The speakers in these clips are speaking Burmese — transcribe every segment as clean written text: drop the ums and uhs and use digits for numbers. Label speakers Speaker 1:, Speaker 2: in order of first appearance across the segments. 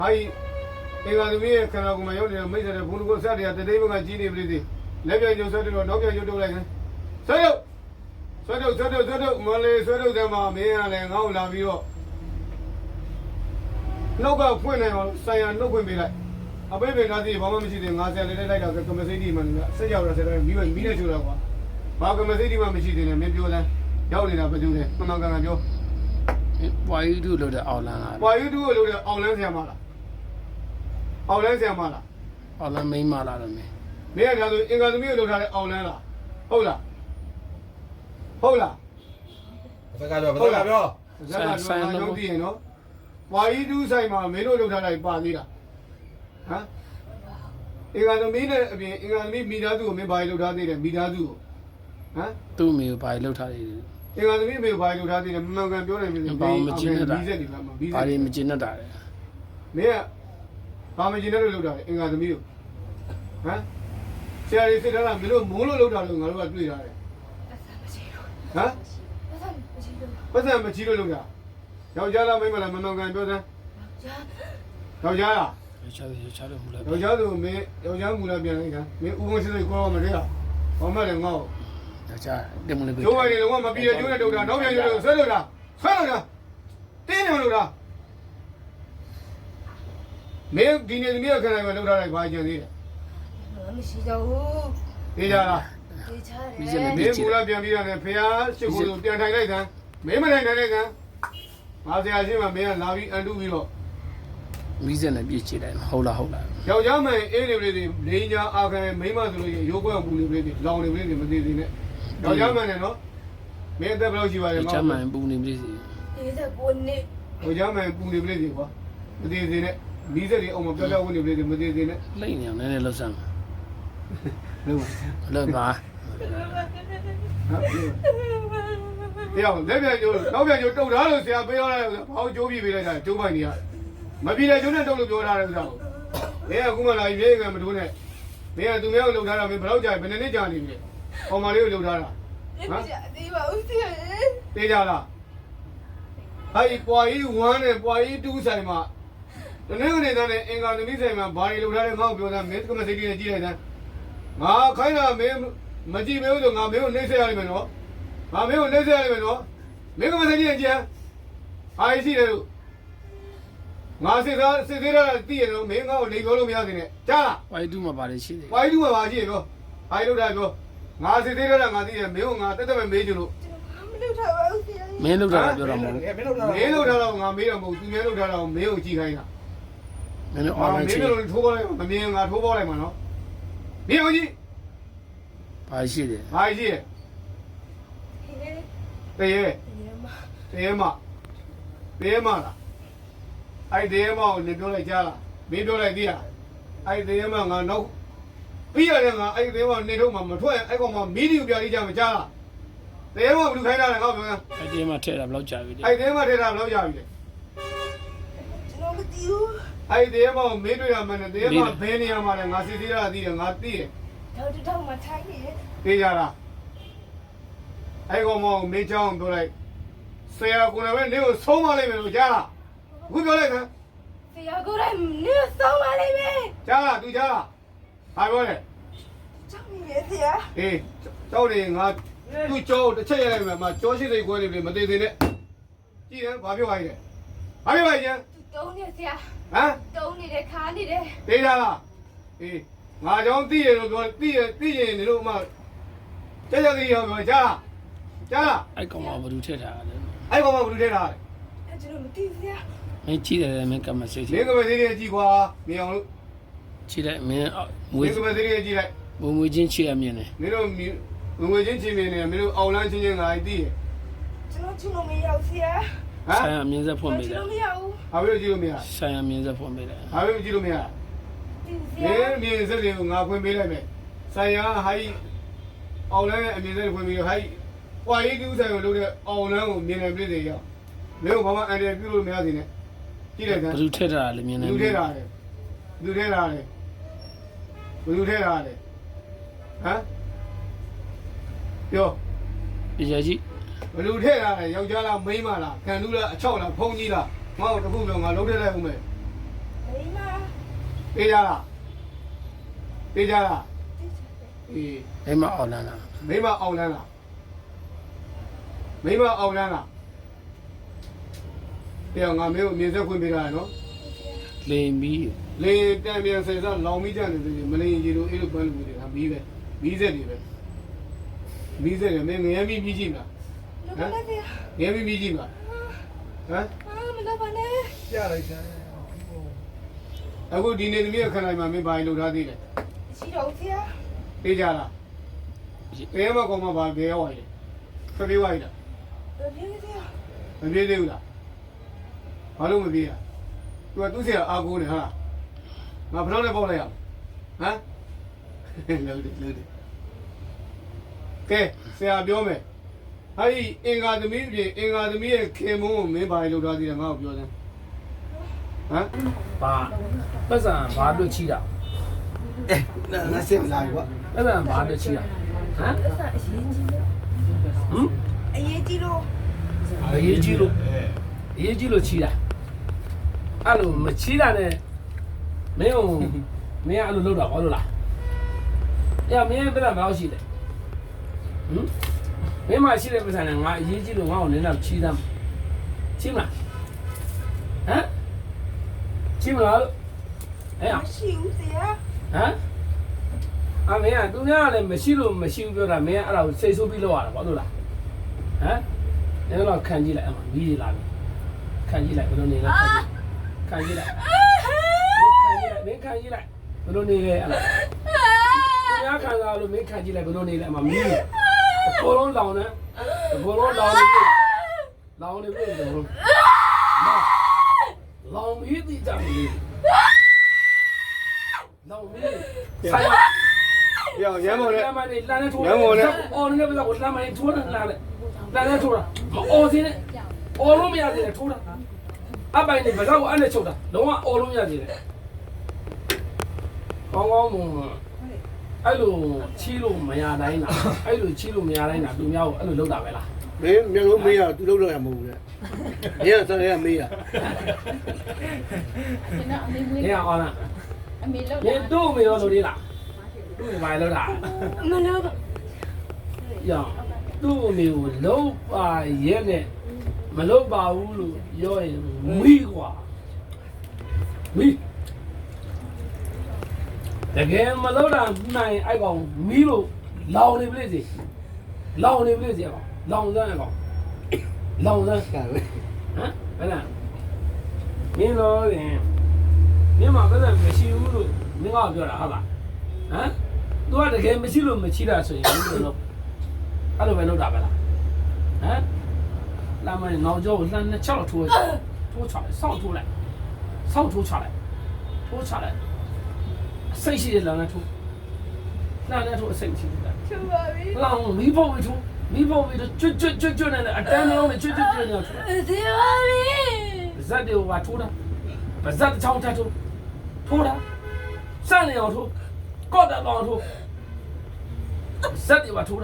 Speaker 1: ဟာအင်္ဂါသမီးရဲ့ခန္ဓာကိုယ်မှာရောက်နေတဲ့မိတ်ဆက်တဲ့ဘုံတကုတ်ဆက်တွေကတတိပကကြီးနေပြီလေလက်ပြန်ကျုပ်ဆက်တော့နောက်ပြန်ကျုပ်တုတ်လိုက်ခင်ဆွဲတော့မလေးဆွဲတော့တယ်မှာမင်းကလည်းငါ့ကိုလာပြီးတော့နှုတ်ကဖွင့်နေအောင်ဆိုင်ရနှုတ်ဖွင့်ပေးလိုက်အပိပိသားစီဘာမှမရှိသေးငါဆယ်လေးလိုက်တော့ကမစိတ်ဒီမှလည်းဆက်ရောက်တော့ဆက်တော့မိနဲ့ချိုးတော့ကွာဘာကမစိတ်ဒီမှမရှိသေးနဲ့မင်းပြောတယ်ရောက်နေတာဘယ်သူလဲမှန်မှန်ကန်ကန်ပြော
Speaker 2: ပွားယူတူလို့တဲ့အော်လန်လား
Speaker 1: ပွားယူတူလို့တဲ့အော်လန်ဆရာမလားအော်လန်ဆရာမလား
Speaker 2: အော်လန်မိန်းမလားတော့မင်း
Speaker 1: ကဒါဆိုအင်္ဂါသမီးကိုလှုပ်ထားတဲ့အော်လန်လားဟုတ်လား
Speaker 3: ဘက်ကပြော
Speaker 1: ဆိုင်လုံးတည်ရင်နော်ပွားယူတူဆိုင်မှာမင်းတို့လှုပ်ထားလိုက်ပါသေးလားဟမ်အင်္ဂါသမီးနဲ့အပြင်အင်္ဂါသမီးမိသားစုကိုမင်းဘာလှုပ်ထားသေးတယ်မိသားစုကိုဟမ်
Speaker 2: သူ့မိကိုဘာလှုပ်ထားသေးလဲ
Speaker 1: အင်္ဂါသမီးမေဘာလှုပ်ထားသေးတယ်မှန်ကန်ပြောနိုင်ပြီ
Speaker 2: ဘာမကျင်းနေတာ
Speaker 1: ပြီးစက်နေပါမှာပြီးစက်
Speaker 2: ဘာတွေမကျင်းနေတာလဲ
Speaker 1: မင်းကဘာမကျင်းတဲ့လို့လှုပ်တာလဲအင်္ဂါသမီးကိုဟမ်ဆရာကြီးစစ်ထားတာမင်းတို့မိုးလို့လှုပ်တာလို့ငါတို့ကတွေ့ထားတယ်ဟမ်ပတ်စံမချီလို့လှုပ်တာယောက်ျားလားမိန်းမလားမမှန်ကန်ပြောစမ်းယောက်ျားလား
Speaker 2: ယောက်ျားလို့မူလား
Speaker 1: ယောက်ျားဆိုမင်းယောက်ျားမူလားပြန်လိုက်တာမင်းဥပုံစစ်စစ်ကိုမတည်းဟာဘာမှလည်းငါ့ကို
Speaker 2: ယောက်ျားတင်မလို့
Speaker 1: ကျိုးပါနေတော့မပြီးရကျိုးနဲ့တုတ်တာနောက်ပြန်ကျိုးလို့ဆွဲလို့တာတင်းနေလို့တာမင်းဒီနေ့သမီးခဏပဲလှုပ်ထားလိုက်ပါကြံသေးတယ်
Speaker 4: မရှိတော့ဘူး
Speaker 1: သိကြလား
Speaker 4: သိကြတယ်
Speaker 1: မင်းမူလားပြန်ပြီးရတယ်ဖះရှိခိုးလို့ပြန်ထိုင်လိုက်စမ်းမင်းမထိုင်နိုင်တဲ့ကံငါဆရာရှိမှမင်းကလာပြီးအန်တူပြီးတော့
Speaker 2: မိစက်နဲ့ပြည့်ချလိုက်ဟုတ်လား
Speaker 1: ယောက်ျားမင်းအေးနေပြီလေလိန်ညာအာခံမိန်းမဆိုလို့ရိုးကွက်ပူနေပြီလေလောင်နေပြီလေမသေးသေးနဲ့ယောက်ျားမင်းနဲ့နော်မင်းအသက်ဘယ်လောက်ရှိပါလဲ
Speaker 2: ယောက်ျားမင်းပူနေပြီစီ
Speaker 4: 49နှစ်
Speaker 1: ယောက်ျားမင်းပူနေပြီလေကွာမသေးသေးနဲ့မိစက်တွေအောင်မပြောပြောဝင်နေပြီလေမသေးသေးနဲ့
Speaker 2: လိမ့်နေအောင်နည်းနည်းလှုပ်စမ်း
Speaker 1: လှုပ်
Speaker 2: ပါ
Speaker 1: တရားလက်ပြန်ကျိုးနောက်ပြန်ကျိုးတုတ်ထားလို့ဆရာပေးရတာဘာလို့ကျိုးပြပေးလိုက်တာကျိုးပိုင်နေရမပြေတဲ့ကျိုးနဲ့တုတ်လို့ပြောထားတယ်ဥစ္စာကိုမင်းကအခုမှလာပြီးပြေးကမထိုးနဲ့မင်းကသူများကိုလှုပ်ထားတာမင်းဘယ်တော့ကြာဘယ်နှစ်ကြာနေပြီဟော်မာလေးကိုလှုပ်ထားတာ
Speaker 4: ဟမ်ဒီပါဦးစီ
Speaker 1: တေးကြလားဟိုင်ပွားကြီး1နဲ့ပွားကြီး2ဆိုင်မှာတနေ့ကနေတဲ့အင်္ဂါသမီးဆိုင်မှာဘာတွေလှုပ်ထားလဲငါ့ကိုပြောစမ်းမင်းကမစိတ်ကြီးနဲ့ကြည့်လိုက်စမ်းငါခိုင်းတာမင်းမကြည့်မဲလို့ငါမင်းကိုနှိမ့်ဆက်ရလိမ့်မယ်နော်ငါမင်းကိုနှိမ့်ဆက်ရလိမ့်မယ်နော်မင်းကမစိတ်ကြီးနဲ့ကြည့်ဟာရှိတယ်လို့ငါစစ်သေးတာတည်ရတော့မင်းငါ့ကိုလိန်ပြောလို့မရသေးနဲ့ကြားလား
Speaker 2: ဝိုင်းတူမှာပါလေရှိတယ်
Speaker 1: ဝိုင်းတူမှာပါရှိရပြောဟိုင်လို့တာပြောငါစစ်သေးတာငါသိတယ်မင်းကငါတက်တက်ပဲမေးကြလို့
Speaker 4: မလုပ်ထားပါဘူးဆရာ
Speaker 2: မင်းလုပ်တာပြောတာမဟုတ်
Speaker 1: မင်းလုပ်တာတော့ငါမေးတော့မဟုတ်သူများလုပ်တာတော့မင်းကိုကြည့်ခိုင်းတာ
Speaker 2: မင်းအော်လိုင်း
Speaker 1: မင်းတို့ထိုးပေါ်လိုက်မမြင်ငါထိုးပေါ်လိုက်မှာနော်မင်းကိုကြည့်
Speaker 2: ဘာရှိတယ်
Speaker 1: ဘာရှိရတရေမလားအဲ့ဒီမကိုနေပြောလိုက်ကြလားမင်းပြောလိုက်သေးလားအဲ့ဒီမငါနောက်ပြီးရတယ်ငါအဲ့ဒီမနေတော့မှမထွက်အဲ့ကောင်မှမီးဒီကိုပြလိကြမကြားလားဒီမဘလူခိုင်းတာလဲငါပြောစမ်း
Speaker 2: အဲ့ဒီမထဲတာဘယ်လောက်ကြာပြီလဲ
Speaker 1: အဲ့ဒီမထဲတာဘယ်လောက်ကြာပြီလဲ
Speaker 4: ကျွန်တော်မသိဘူး
Speaker 1: အဲ့ဒီမကိုမင်းတွေ့ရမှန်းတယ်ဒီမဘယ်နေရာမှာလဲငါစစ်သေးတာသိတယ်ငါသိတယ်
Speaker 4: တော့မှထိုင်နေတယ်
Speaker 1: သိကြလားအဲ့ကောင်မကိုမင်းချောင်းပြောလိုက်ဆရာကလည်းနေကိုဆုံးမလိုက်မယ်လို့ကြားလားအခုပြောလိုက်ခင်
Speaker 4: ဆရာကိုလည်းနေဆုံးမလိုက်မယ်
Speaker 1: ကြားလားသူကြားလားဟာပြောတယ်
Speaker 4: ကြောက်နေတယ်ဆရာ
Speaker 1: အေးကြောက်နေငါသူ့ကြောတစ်ချက်ရလိုက်မယ်မကြောရှိစိတ်ခွဲနေပြီမသေးသေးနဲ့ကြည့်ရင်ဘာပြောပါ့လဲဘာပြောပါ့ကျန်
Speaker 4: တုံးနေဆရာ
Speaker 1: ဟမ်
Speaker 4: တုံးနေတယ်ခါနေတယ်
Speaker 1: သိကြလားအေးငါကြောင့်သိရလို့ပြောသိရင်နေလို့မှကြက်ကြက်ကြီးရောပြောကြားလား
Speaker 2: အဲ့ကောင်ကဘယ်သူထည့်ထားလဲ
Speaker 1: အဲ့ကောင်ကဘယ်သူထည့်ထားလဲ
Speaker 4: အဲ့ကျွန်တော်မသိဆရာ
Speaker 2: မင်းကြည့်တယ်မင်းကမစိတ်
Speaker 1: မင်းကမစိတ်ကြီးကြည့်ကွာမြင်အောင်လို့
Speaker 2: ကြည့်လိုက်မင်း
Speaker 1: မွေးကမစိတ်ကြီးကြည့်လိုက်
Speaker 2: မွေးချင်းချစ်ရမြင်တယ်
Speaker 1: မင်းတို့ငွေချင်းချင်းမြင်နေမင်းတို့အောင်လန်းချင်းချင်းငါသိရ
Speaker 4: ကျွန်တော်ချင်လို့မရဘူးဆရာ
Speaker 2: ဆိုင်ရမြင်စက်ဖွင့်ပေးတယ်
Speaker 4: ကျွန်တော်မရဘူး
Speaker 1: ဘာဖြစ်လို့ကြည့်လို့မရ
Speaker 2: ဆိုင်ရမြင်စက်ဖွင့်ပေးတယ်
Speaker 1: ဘာဖြစ်လို့ကြည့်လို့မရမြင်စက်တွေကိုငါဖွင့်ပေးလိုက်မယ်ဆိုင်ရဟိုင်းအောင်လန်းရဲ့အမြင်စက်ဖွင့်ပေးဟိုင်းပွားရေးတူးဆိုင်ကိုလုပ်တဲ့အောင်လန်းကိုမြင်နေပြီလေရောက်မင်းကဘာမှအန်တယ်ပြုလို့မရသေးနဲ့ကြည့်လိုက်စမ်း
Speaker 2: ဘယ်သူထည့်ထားလဲမြင်နေ
Speaker 1: ဘယ်သူထည့်ထားလဲဘယ်သူထည့်ထားလဲဟမ်ပြော
Speaker 2: ရကြီး
Speaker 1: ဘယ်လိုထည့်ထားလဲယောက်ျားလားမိန်းမလားခံလူလားအချောက်လားဖုံးကြီးလားငါ့ကိုတခုပြောငါလုံးထည့်လိုက်ဦးမယ်
Speaker 4: မ
Speaker 1: ပေးကြလားပေးကြလားအေး
Speaker 2: အိမ်မအောင်လာလား
Speaker 1: မိမအောင်လန်းလားမိမအောင်လန်းလားတရားငါမင်းကိုမြင်ဆက်ခွင့်ပေးတာနော်
Speaker 2: လိန်ပြီး
Speaker 1: လေတံပြန်ဆယ်စားလောင်မိကြတယ်ဆိုရင်မလင်ကြီးလိုအဲ့လိုပန်းလူတွေကမီးပဲမီးဆက်တွေပဲမီးဆက်တွေမင်းငရဲမီးကြည့်မလား
Speaker 4: လောပါနဲ့
Speaker 1: ငရဲမီးကြည့်မလားဟမ်
Speaker 4: မလောပါနဲ့
Speaker 3: ပြလိုက်စမ်း
Speaker 1: အခုဒီနေ့သမီးအခန်းတိုင်းမှာမင်းဘာလို့ထားသေးလဲ
Speaker 4: ရှိတော့ဆရာ
Speaker 1: ပေးကြလားဘယ်မှာကောင်မှဘာဘယ်ရောက်ရလဲဖပြေးဝိုင်းလား
Speaker 4: ပြေးဆရာ
Speaker 1: မပြေးသေးဘူးလားဘာလို့မပြေးရသူကသူ့ဆရာအာကိုနေဟာငါဘယ်တော့လဲပေါက်လိုက်ရဟမ်လို့တယ်ကဲဆရာပြောမယ်ဟာဒီအင်္ဂါသမီးပြင်အင်္ဂါသမီးရဲ့ခင်မုန်းကိုမင်းဘာလို့ထားသေးလဲငါ့ကိုပြောစမ်းဟမ်
Speaker 2: ဘာပတ်စံဘာတို့ချီတာ
Speaker 1: ငါစစ်မလာဘူးကွာ
Speaker 2: ပတ်စံဘာတို့ချီတာဟမ်
Speaker 4: အဆအရေးကြီးလို့
Speaker 2: ဟမ်အရေးကြီးလို့အရေးကြီးလို့ချီတာအဲ့လိုမချီတာနဲ့မင်းကအဲ့လိုလုပ်တာဘာလို့လားအဲ့မင်းပတ်စံဘာလို့ရှိလဲဟမ်မင်းမရှိတဲ့ပတ်စံနဲ့ငါအရေးကြီးလို့ငါ့ကိုနည်းနည်းချီသားချီမလားဟမ်ချီမလားလို့အဲ့
Speaker 4: မရှိဘူးဆရာ
Speaker 2: ဟမ်အမေကသူများကလည်းမရှိလို့မရှိဘူးပြောတာမင်းကအဲ့ဒါကိုစိတ်ဆိုးပြီးလောက်ရတာဘာလို့လားဟမ်အဲ့တော့ခံကြည့်လိုက်အမမီးလာပြီခံကြည့်လိုက်ဘယ်လိုနေလဲခံကြည့်လိုက်မင်းခံကြည့်လိုက်ဘယ်လိုနေလဲအဲ့ဒါသူများခံစားလို့မင်းခံကြည့်လိုက်ဘယ်လိုနေလဲအမမီးအပေါ်လုံးလောင်နေအပေါ်လုံးလောင်နေပြီလောင်နေပြီတော့လောင်မီးတိကြပြီလောင်မီးဆိုင်
Speaker 1: ပြောရမ်းမော်နဲ့
Speaker 2: လမ်းမလေးလမ်းနဲ့ထိုးအော်နေပဲကိုလမ်းမလေးထိုးတာလမ်းနဲ့ထိုးတာမအော်စင်းနဲ့အော်လို့မရသေးတယ်ထိုးတာအပိုင်နေဘာကိုအဲ့နဲ့ချုပ်တာလုံးဝအော်လို့မရသေးတယ်ကောင်းကောင်းမအဲ့လိုချီးလို့မရတိုင်းလားအဲ့လိုချီးလို့မရတိုင်းလားသူများကိုအဲ့လိုလုပ်တာပဲလား
Speaker 1: မင်းမျိုးလုံးမေးရသူလုံးတော့ရမဟုတ်ဘူးလေမင်းကစရမေးရ
Speaker 2: နေရအောင်လား
Speaker 4: အမေလောက်
Speaker 2: နေတို့မေရောလို့လေးလားသူ့ဘာလုပ်တာ
Speaker 4: မလောပါ
Speaker 2: ရောသူ့မေကိုလုံးပါရဲ့နဲ့မလုံးပါဘူးလို့ပြောရင်မိကွာမိတကယ်မလုံးတာနိုင်အဲ့ကောင်မီးလို့လောင်နေပြီလေလောင်နေပြီလေကောင်လောင်စမ်းကောင်လောင်စမ်းဟမ်ဘယ်လားမင်းတော့ရင်မင်းမဘယ်နဲ့မရှိဘူးလို့မင်းကပြောတာဟုတ်လားဟမ်သူကတကယ်မရှိလို့မချီတာဆိုရင်ဘယ်လိုလုပ်အဲ့လိုပဲလုပ်တာပဲလားဟမ်လာမင်းနောက်ကျောကိုလှမ်းနှစ်ချောက်ထိုးချလိုက်စောင့်ထိုးလိုက်စောင့်ထိုးချလိုက်စိတ်ရှိတဲ့လမ်းနဲ့ထိုးလမ်းနဲ့ထိုးအစိတ်ရှိတယ်
Speaker 4: ချူပါပြီ
Speaker 2: လောင်မီးဖို့ပြီးထိုးမီးဖို့ပြီးကျွတ်နေတယ်အတန်းလုံးနဲ့ကျွတ်နေတယ်ထိုး
Speaker 4: ဆရာပါပြီ
Speaker 2: ဇက်တွေကထိုးတာဗဇက်တစ်ချောင်းထပ်ထိုးတာစနေအောင်ထိုးကော့တာအောင်ထိုးဇက်တွေကထိုးတာ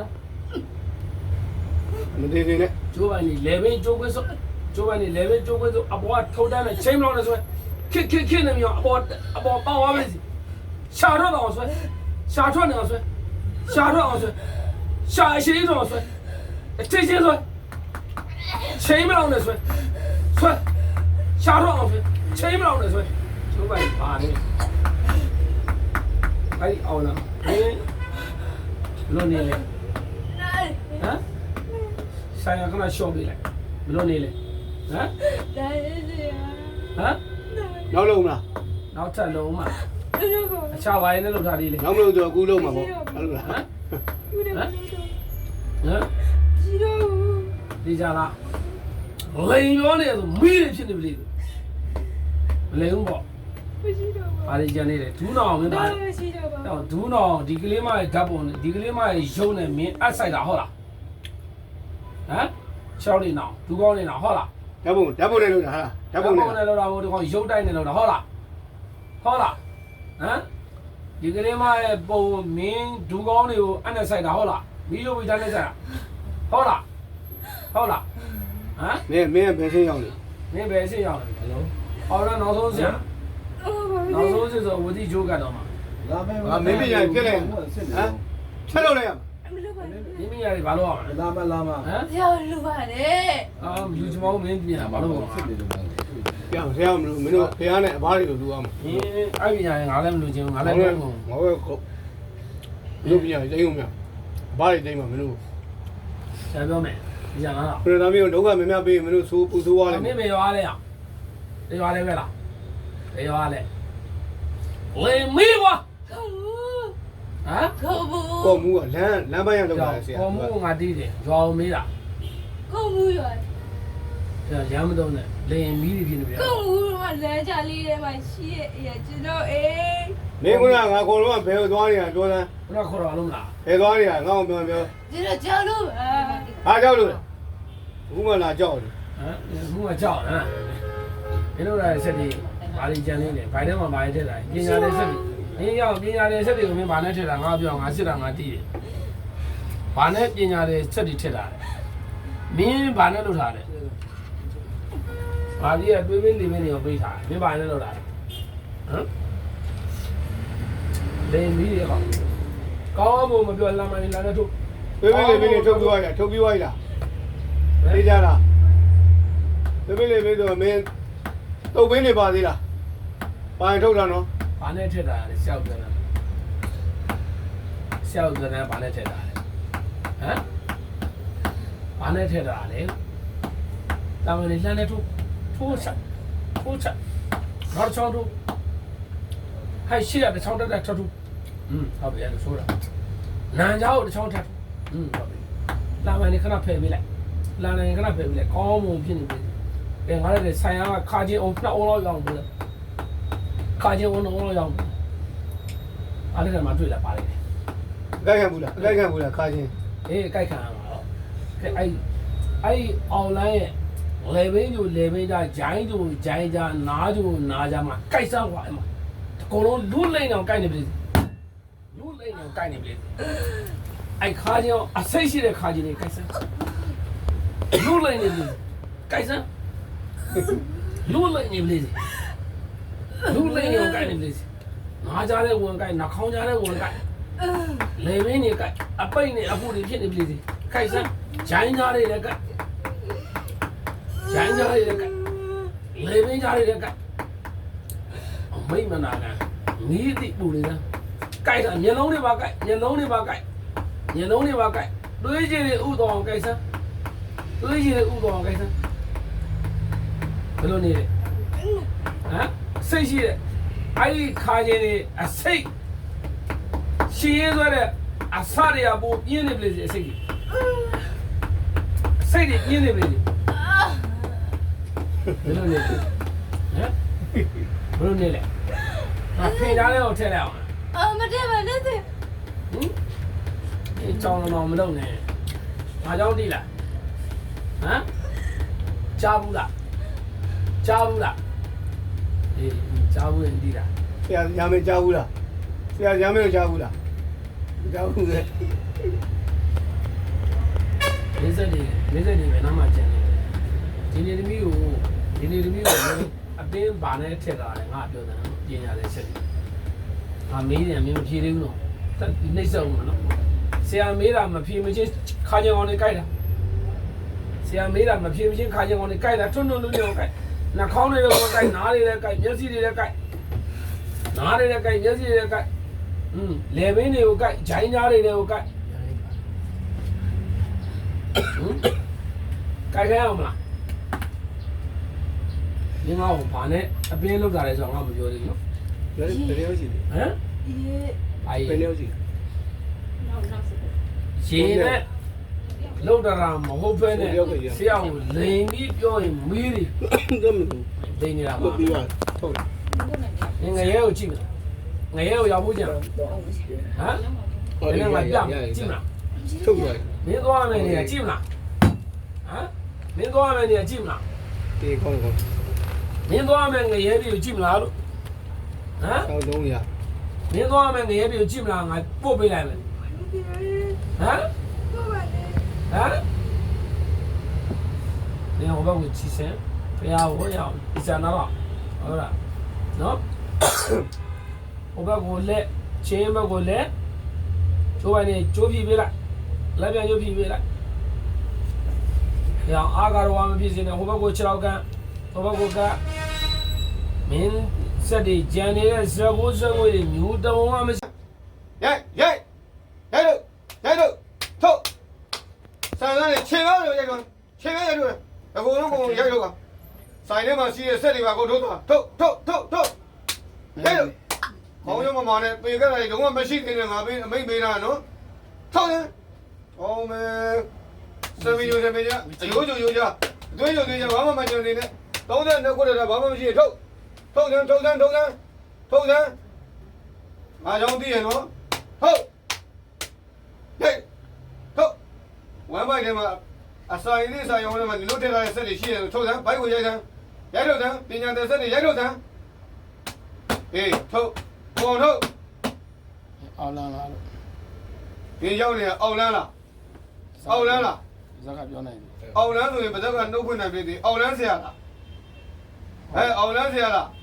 Speaker 1: မသေးသေးနဲ့
Speaker 2: ကျိုးပိုင်းနေလေဘင်းကျိုးခွဲစို့ကျိုးပိုင်းနေလေဘင်းကျိုးခွဲစို့အပေါ်ကထုံတန်းနဲ့ချိန်မလို့နဲ့ဆိုခစ်နေမြောင်အပေါ်ပေါက်သွားပြီရှာတော့အောင်ဆွဲရှာထွက်နေအောင်ဆွဲရှာအရှိတော့ဆွဲအချင်းချင်းဆွဲချိန်မလို့နဲ့ဆွဲရှာတော့အောင်ဆွဲချိန်မလို့နဲ့ဆွဲကျိုးပိုင်းပါနေအဲ့ဒီအောင်လားဘယ်လိုနေလဲဟမ်ဆိုင်ရကနာရှော့ပေးလိုက်ဘယ်လိုနေလဲဟမ်
Speaker 4: ဒါရေးဆရာ
Speaker 2: ဟမ်
Speaker 1: နောက်လုံးမလား
Speaker 2: နောက်ထပ်လုံးမှာ
Speaker 4: လောပါ
Speaker 2: အခြားဝိုင်းနဲ့လောက်ထားသေးလေ
Speaker 1: နောက်မလို့ဆိုအခုလုံးမှာပေါ့ဟုတ်လား
Speaker 2: ဟမ်
Speaker 4: ဘူးတယ်
Speaker 2: ဟမ်
Speaker 4: ရှိတော့
Speaker 2: ဒီကြလားလိန်ရောနေဆိုမီးတွေဖြစ်နေပြီလေမလိန်ဘူးပေါ့
Speaker 4: မရှိတော့ပါ
Speaker 2: ဘာတွေကြံနေလဲဒူးနောင်မင်းသား
Speaker 4: မရှိတော့ပါ
Speaker 2: တော့ဒူးနောင်ဒီကလေးမရဲ့ဓာတ်ပုံနဲ့ဒီကလေးမရဲ့ရုပ်နဲ့မင်းအပ်ဆိုင်တာဟုတ်လားဟမ်ချောင်းနေနောင်ဒူးကောင်းနေနောင်ဟုတ်လား
Speaker 1: ဓာတ်ပုံနဲ့လောက်တာဟာဓာတ်ပုံနဲ့
Speaker 2: နဲ့လောက်တာဘို့ဒီကောင်ရုပ်တိုက်နေလောက်တာဟုတ်လားဟမ်ဒီကလေးမရဲ့ပုံမင်းဒူးကောင်းတွေကိုအပ်နဲ့ဆိုင်တာဟုတ်လားမီးရုပ်ပြီးတိုင်းနဲ့ဆိုင်တာဟုတ်လားဟမ်
Speaker 1: မင်းဘယ်ဆင်းရောက်လဲ
Speaker 2: မင်းဘယ်အစ်ရောက်လဲဘယ်လိုအော်တော့နောက်ဆုံးဆရာ
Speaker 4: အော်ပါပြီ
Speaker 2: နောက်ဆုံးဆ岁数我弟就干到嘛，
Speaker 3: လာမယ်
Speaker 1: 没必要别来啊，吃了了呀？
Speaker 4: မလုပ်ပါနဲ့
Speaker 2: 你们家里把多少？
Speaker 3: လာမလာမ
Speaker 2: 啊？
Speaker 4: ဆရာလူပါနဲ့
Speaker 2: 啊，有几毛没变，把多少？
Speaker 1: ပြောင်းဆရာမလို့မင်းတို့ဖះနဲ့အဘတွေလိုလူအောင်
Speaker 2: 你二边家人俺来没录清，俺来
Speaker 1: ငါ
Speaker 2: 没
Speaker 1: လည်း
Speaker 2: 录。
Speaker 1: ငါပဲခုလူပြညာတိတ်ုံများအဘတွေတိတ်မှာမင်းတို့
Speaker 2: 下表妹，你讲哪了？
Speaker 1: ခရသားမျိုးဒုက္ခများများပေးမင်းတို့ဆိုးပူဆိုးသွားတယ်
Speaker 2: 妹妹要来呀？你要来没啦？你要来？来没我？
Speaker 4: ခေါ်ဘူး
Speaker 2: 啊？
Speaker 4: ခေါ်ဘူး
Speaker 1: ကောမူကလမ်းပိုင်းရလောက်တာဆရာ
Speaker 2: 我母俺弟弟要没啦？
Speaker 4: ခေါ်ဘူးရော
Speaker 2: 这养不动呢，来米的皮那边。
Speaker 4: ခေါ်ဘူးကလမ်းကြလေးထဲမှာရှိရဲ့အရာကျွန်တော်အေး
Speaker 1: မင်းကငါကောင်လုံးကဘယ်ကိုသွားနေရပြောစမ်း
Speaker 2: 我那考上了啦？
Speaker 1: ဘယ်သွားနေရငါ့ကိုပြောပြော
Speaker 4: ကျွန်တော်ကြောက်လို့ပါ
Speaker 1: ဟာကြောက်လို့ဘူးမလာကြောက်တယ်
Speaker 2: 啊，母我叫啊。你都来这里，把你讲的呢，白天嘛把你这来，人家来这里，人家来这里，我们把那这来，我表俺是让俺弟弟，把那人家来这里这来，民把那都啥的，把你也对面里面的要背啥，民把那都来，嗯，来米的好，刚我们表俺们来那都，
Speaker 1: ပြေးပြေးလေးထုတ်ပြီးသွားရထုတ်ပြီးသွားရလားသိကြလားပြေးပြေးလေးဆိုမင်းတုတ်ပင်းနေပါသေးလားပိုင်ထုတ်တာနော်
Speaker 2: 把那这来笑着呢，笑着呢把那这来，啊，把那这来嘞，咱们的现在出产，哪儿抢出，还西安的抢这来抢出，他别的说了，南家的抢这，他别，咱们的可能配不来，咱们可能配不来，高木品的，连俺的山羊卡进我那我老养不了。卡进我弄了样，俺那个嘛对了，把嘞，
Speaker 1: လိုက်ခံဘူးလားလိုက်ခံဘူးလားခါချင်း
Speaker 2: 哎，该看了，哎，后来那边就那边家，见就见家，拿就拿家嘛，该啥话嘛，可能路来那干的不是，路来那干的不是，哎，卡进啊，谁写的卡进的该啥？路来的不是，该啥？路来的不是。路来的干的不是，哪家的我干，哪康家的我干，那边的干，啊北的啊不的偏的不是，干啥？咱家的来干，咱家的来干，那边家的来干，没么哪干，你的不的呢？干啥？年老的吧干，年老的吧干，年老的吧干，对接的乌当干啥？对接的乌当干啥？不懂你的，啊？谁是爱看见的啊？谁？现在的啊啥的也不演的不是谁？谁的演的不是？不懂你的，不懂你的，啊，平常的我听了，
Speaker 4: အာမတည့်ပါနဲ့တဲ့
Speaker 2: 你找了忙不懂呢，哪叫地了？啊？加不了，加不了。你家务人地的，
Speaker 1: ဆရာညာမကြားဘူးလားဆရာညာမကြားဘူးလားကြားဘူးလေ
Speaker 2: 没这里没那么简单。今年的米油，啊，别把那贴到的，俺标准人家在吃的，啊，每年没有批的喏，但那时候嘛喏，谁也没那么批没进，看见我的改的，谁也没那么批没进，看见我的改的，种都要改。那考虑的我改，哪里来改，面试的来改，哪里来改，面试的来改，那边的又改，咱家的又改，改开我们啦。你看我爸呢，那边路上来说，俺不觉得喏，
Speaker 1: ဘယ်လိုရှိလဲ
Speaker 2: 嗯，哎，
Speaker 1: ဘယ်လိုရှိ
Speaker 2: 现在路上没好分的，下午人力表演没的，
Speaker 1: လဲ咁မ
Speaker 2: 对你了
Speaker 1: ဟုတ်
Speaker 2: 嘛？
Speaker 1: ပြီးပါထုတ်တယ်
Speaker 2: 你也有进了，我也有要不进了，啊？人家我变进了，
Speaker 1: ထုတ်တယ်
Speaker 2: 没多少年你也进了，啊？没多少年你也进了，
Speaker 1: ဒီကောင်းကောင်း
Speaker 2: 没多少年我也有进了了，啊？
Speaker 1: ဆောင်း300
Speaker 2: 没多少年我也有进了，我不回来了，啊？
Speaker 4: ဟုတ်ပါနဲ့
Speaker 2: 啊？你看我把我提升，不要我要100拿了，好了，喏， ဟိုဘက်ကိုလက်ချင်းဘက်ကိုလက်ကျိုးပိုင်းနေကျိုးပြပေးလိုက်လက်ပြန်ကျိုးပြပေးလိုက်ရောင်အားကတော့မပြည့်စင်နဲ့ဟိုဘက်ကို6လောက်ကန်ဟိုဘက်ကိုကမင်းစက်တွေကြံနေတဲ့ဇက်ကိုတွေမျိုးတုံးမှမရှိ
Speaker 1: ရိုက်လို့ထုတ်ဆန်သားနဲ့ခြေကားလို့ရိုက်တော့ခြေကားရိုက်လို့အကုန်လုံးရိုက်လို့ကဆိုင်ထဲမှာရှိတဲ့စက်တွေပါကိုထုတ်သွားထုတ်ရိုက်လို့ခေါင်းရုံးမမနဲ့ပေကလည်းလုံးဝမရှိသေးတယ်ငါပေးအမိတ်ပေးတာနော်ထုတ်တယ်ဟောမဲစမီယိုစမီယာအယိုးကြသွေးကြဘာမှမကြုံနေနဲ့30နဲ့ခုတည်းဘာမှမရှိထုတ်တယ်ငါကြောင့်သိရနော်ဟုတ်ဟေးထုတ်ဝမ်းပိုက်ထဲမှာအစာရည်လေးစာရုံထဲမှာဒီလိုထည့်ထားတဲ့စက်တွေရှိတယ်ထုတ်တယ်ဘိုက်ကိုရိုက်တယ်ပညာတဲ့စက်တွေရိုက်ထုတ်တယ်ဟေးထုတ်ပေါ်ထုတ်
Speaker 2: အောင်လန်းလားလို့
Speaker 1: ဒီရောက်နေတာအောက်လန်းလား
Speaker 2: ဇက်ကပြောနိုင်တယ်
Speaker 1: အောက်လန်းဆိုရင်ဗဇက်ကနှုတ်ဖွင့်နိုင်ပြီအောက်လန်းဆရာလားအောက်လန်းဆရာလား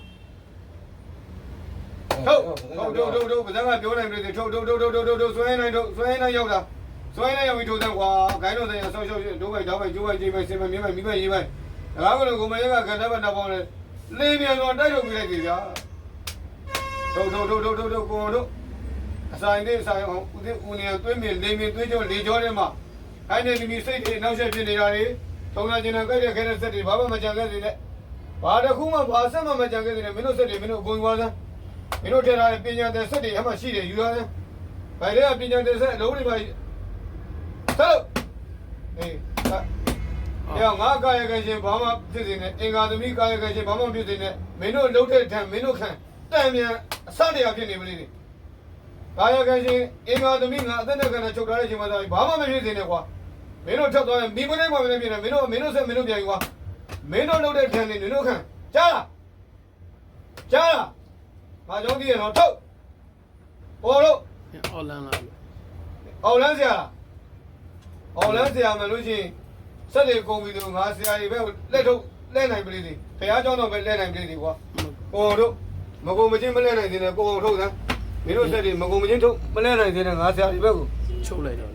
Speaker 1: ထုတ်ဗဇက်ကပြောနိုင်ပြီထုတ်ဆွဲနိုင်ရောက်တာဆွဲနိုင်ရောက်ပြီးထိုးတယ်ကွာဂိုင်းတော်ဆိုင်ဆောက်ရှောက်ဒိုးပိုက်တောင်းပိုက်ကျိုးပိုက်ကြီးပိုက်စင်မမြင်းပိုက်မိပိုက်ရေးပိုက်ဒါကလည်းကိုမရကကန်တဲ့ဘက်တော့ပေါင်းလေလေးပြန်တော့တိုက်ထုတ်ပြလိုက်ပြီဗျာထုတ်ကိုတို့အဆိုင်လေးဆိုင်အောင်ဦးနေသွေးမြင်လေးမြင်သွေးကြောလေကြောထဲမှာအဲ့ဒီမိမိစိတ်တွေနောက်ဆက်ဖြစ်နေတာတွေထုံလာကျင်တဲ့ကြိုက်တဲ့ခဲတဲ့စက်တွေဘာမှမကြံခဲ့သေးနဲ့ဘာတစ်ခုမှဘာဆက်မှမကြံခဲ့သေးနဲ့မင်းတို့စက်တွေမင်းတို့အကုန်သွားစမ်းမင်းတို့ထည့်ထားတဲ့ပညာတဲ့စက်တွေအမှရှိတယ်ယူရစမ်းဗိုင်တွေကပညာတဲ့စက်အလုံးတွေပါဆက်အေးငါကာယကံရှင်ဘာမှဖြစ်နေနဲ့အင်္ဂါသမီးကာယကံရှင်ဘာမှဖြစ်နေနဲ့မင်းတို့လှုပ်တဲ့ထံမင်းတို့ခံတန်မြန်အစတရားဖြစ်နေမလို့ကာယကံရှင်အင်္ဂါသမီးငါအသက်နဲ့ကံနဲ့ချုပ်ထားတဲ့အချိန်မှာဘာမှမဖြစ်နေနဲ့ကွာမင်းတို့ထပ်သွားရင်မိမနဲ့ကွာမင်းဖြစ်နေမင်းတို့ဆက်မင်းတို့ပြန်ယူကွာမင်းတို့လှုပ်တဲ့ထံနေမင်းတို့ခံကြားလားငါကြောင့်ဒီရတော့ထုတ်ပေါ်လို့
Speaker 2: အောင်လန်းလားလို့
Speaker 1: အော်လန်းဆရာမလို့ရှိရင်စက်တွေကုန်ပြီလို့ငါဆရာကြီးပဲလက်နိုင်ပြီလေဘုရားကျောင်းတော့ပဲလက်နိုင်ပြီလေကွာကိုတို့မကုန်မချင်းမလက်နိုင်သေးနဲ့ကိုအောင်ထုတ်စမ်းမင်းတို့စက်တွေမကုန်မချင်းထုတ်မလက်နိုင်သေးနဲ့ငါဆရာကြီးပဲကို
Speaker 2: ချုပ်လိုက်တော့